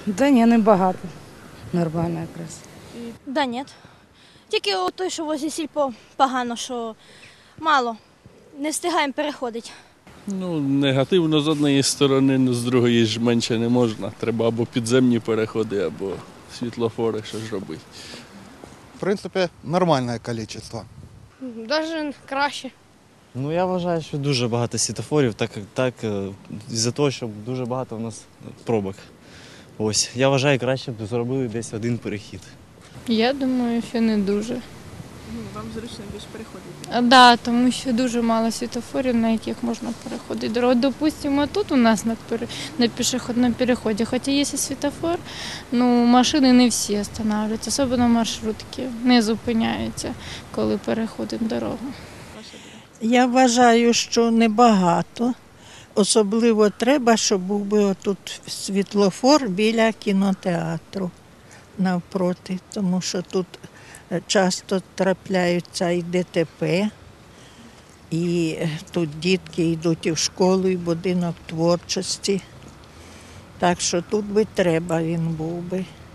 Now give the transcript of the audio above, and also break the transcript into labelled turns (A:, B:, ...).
A: Да ні, не багато. Нормально якраз.
B: Да ні. Тільки той, що возле сільпо, погано, що мало. Не встигаємо переходити.
C: Ну, негативно з однієї сторони, але з другої ж менше не можна. Треба або підземні переходи, або світлофори, що ж робити.
D: В принципі, нормальне кількість.
E: Навіть краще.
F: Ну, я вважаю, що дуже багато світлофорів, так із-за того, що дуже багато у нас пробок. Ось, я вважаю, краще б зробили десь один перехід.
E: Я думаю, що не дуже.
G: Вам зручно більш переходити?
E: Так, да, тому що дуже мало світофорів, на яких можна переходити дорогу. Допустимо, тут у нас на пішохідному переході, хоча є світофор, ну, машини не всі останавливаються, особливо маршрутки, не зупиняються, коли переходимо дорогу.
H: Я вважаю, що небагато. Особливо треба, щоб був би отут світлофор біля кінотеатру навпроти, тому що тут часто трапляються і ДТП, і тут дітки йдуть і в школу, і в будинок творчості. Так що тут би треба він був би.